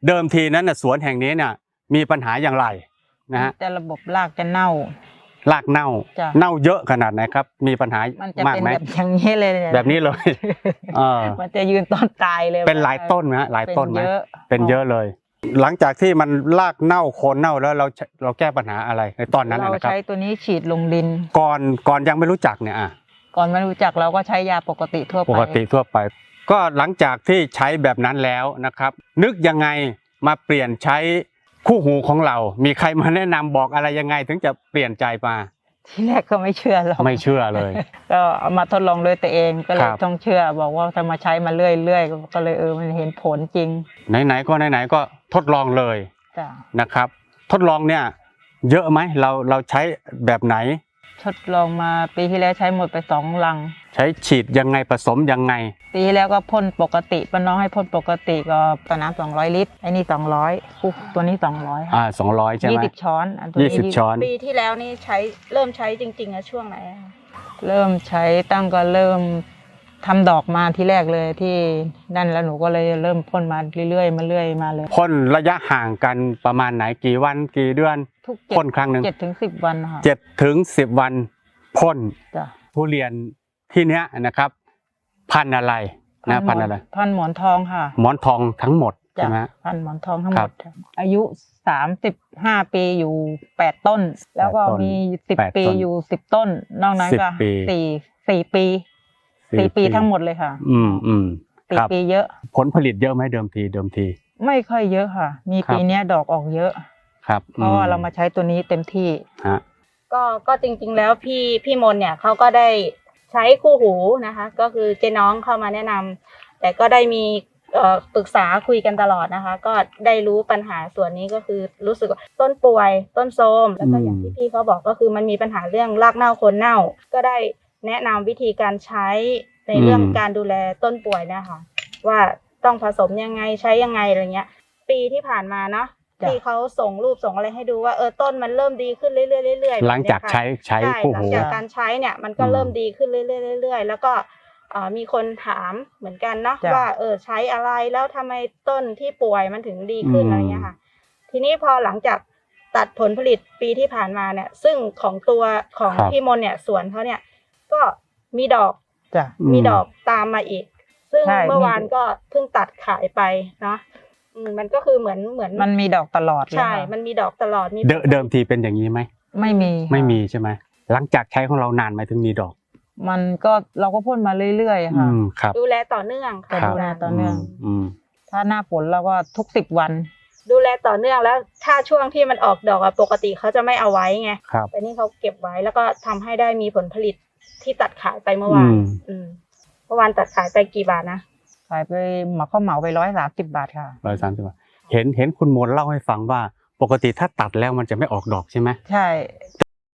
เดิมทีนั้นสวนแห่งนี้เนี่ยมีปัญหาอย่างไรนะฮะจะระบบรากจะเน่ารากเน่าเน่าเยอะขนาดไหนครับมีปัญหามันจะเป็นแบบอย่างนี้เลยแบบนี้เลยมันจะยืนต้นตายเลยเป็นหลายต้นนะหลายต้นไหมเป็นเยอะเลยหลังจากที่มันรากเน่าโคนเน่าแล้วเราแก้ปัญหาอะไรในตอนนั้นนะครับเราใช้ตัวนี้ฉีดลงดินก่อนยังไม่รู้จักเนี่ยก่อนไม่รู้จักเราก็ใช้ยาปกติทั่วไปก็หลังจากที่ใช้แบบนั้นแล้วนะครับนึกยังไงมาเปลี่ยนใช้คู่หูของเรามีใครมาแนะนำบอกอะไรยังไงถึงจะเปลี่ยนใจมาที่แรกก็ไม่เชื่อหรอกไม่เชื่อเลยก็เอามาทดลองด้วยตัวเองก็เลยต้องเชื่อบอกว่าถ้ามาใช้มาเรื่อยๆก็เลยมันเห็นผลจริงไหนๆก็ทดลองเลยนะครับทดลองเนี่ยเยอะไหมเราใช้แบบไหนทดลองมาปีที่แล้วใช้หมดไป2 ลังใช้ฉีดยังไงผสมยังไงปีที่แล้วก็พ่นปกติป้าน้องให้พ่นปกติก็ต่อน้ำ200 ลิตรไอ้นี่200ตัวนี้200 200ใช่ไหม 20 ช้อน 20 ช้อนปีที่แล้วนี่เริ่มใช้จริงๆอะช่วงไหนเริ่มใช้ตั้งก็เริ่มทำดอกมาที่แรกเลยที่นั่นแล้วหนูก็เลยเริ่มพ่นมาเรื่อยๆมาเลยพ่นระยะห่างกันประมาณไหนกี่วันกี่เดือนพ่นครั้งหนึ่ง 7 ถึง 10 วันค่ะ 7 ถึง 10 วันพ่นทุเรียนที่เนี้ยนะครับพันธุ์อะไรนะพันธุ์อะไรพันธุ์หมอนทองค่ะหมอนทองทั้งหมดใช่ไหมพันธุ์หมอนทองทั้งหมดอายุ35 ปีอยู่8 ต้นแล้วก็มี10 ปีอยู่10 ต้นนอกนั้นก็4 ปีทั้งหมดเลยค่ะ4 ปีเยอะผลผลิตเยอะไหมเดิมทีไม่ค่อยเยอะค่ะมีปีนี้ดอกออกเยอะครับเพราะว่าเรามาใช้ตัวนี้เต็มที่ก็จริงๆแล้วพี่มนเนี่ยเขาก็ได้ใช้คู่หูนะคะก็คือเจ๊น้องเข้ามาแนะนำแต่ก็ได้มีปรึกษาคุยกันตลอดนะคะก็ได้รู้ปัญหาส่วนนี้ก็คือรู้สึกว่าต้นป่วยต้นโทรมแล้วก็อย่างที่พี่เขาบอกก็คือมันมีปัญหาเรื่องรากเน่าโคนเน่าก็ได้แนะนำวิธีการใช้ในเรื่องการดูแลต้นป่วยนะคะว่าต้องผสมยังไงใช้ยังไงอะไรเงี้ยปีที่ผ่านมาเนาะที่เขาส่งรูปส่งอะไรให้ดูว่าต้นมันเริ่มดีขึ้นเรื่อยๆหลังจากใช้คู่หูหลังจากการใช้เนี่ยมันก็เริ่มดีขึ้นเรื่อยๆแล้วก็มีคนถามเหมือนกันเนาะว่าใช้อะไรแล้วทำไมต้นที่ป่วยมันถึงดีขึ้นอะไรเงี้ยค่ะทีนี้พอหลังจากตัดผลผลิตปีที่ผ่านมาเนี่ยซึ่งของตัวของพี่มนเนี่ยสวนเขาเนี่ยก็มีดอกตามมาอีกซึ่งเมื่อวานก็เพิ่งตัดขายไปเนาะมันก็คือเหมือนมันมีดอกตลอดใช่มันมีดอกตลอดเดิมทีเป็นอย่างนี้ไหมไม่มีใช่ไหมหลังจากใช้ของเรานานไหมถึงมีดอกมันก็เราก็พ่นมาเรื่อยๆค่ะดูแลต่อเนื่องค่ะดูแลต่อเนื่องถ้าหน้าฝนเราก็ทุก10 วันดูแลต่อเนื่องแล้วถ้าช่วงที่มันออกดอกปกติเขาจะไม่เอาไว้ไงแต่นี่เขาเก็บไว้แล้วก็ทำให้ได้มีผลผลิตที่ตัดขายไปเมื่อวานตัดขายไปกี่บาทนะขายไปเขาเหมาไป130 บาทค่ะ 130 บาทเห็นคุณมนเล่าให้ฟังว่าปกติถ้าตัดแล้วมันจะไม่ออกดอกใช่ไหมใช่